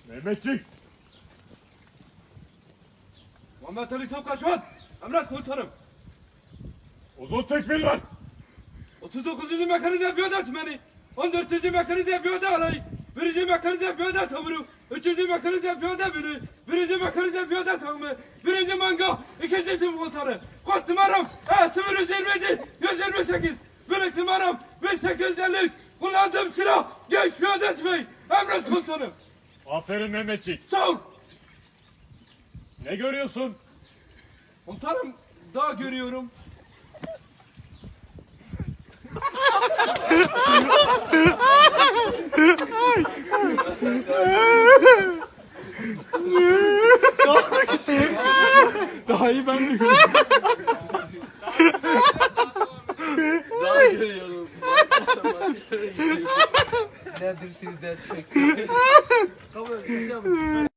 Mehmetçik! Muhammed Ali Topkaçman, emret komutanım. Uzun tekmil ver! 39. Mekanize Piyade Tümeni, 14. Mekanize Piyade Alayı, 1. Mekanize Piyade Tamuru, 3. Mekanize Piyade Bölü, 1. Mekanize Piyade Takımı, 1. Manga, 2. Tüm Komutanı, kod numaram E027 128, birlik numaram 1853, kullandığım silah genç piyade tüfeği, emret komutanım. Aferin Mehmetçik. Sağ ol. Ne görüyorsun? Komutanım, daha görüyorum. Daha iyi ben de görüyorum. Daha görüyorum. Nedir sizden çek? Kabul et.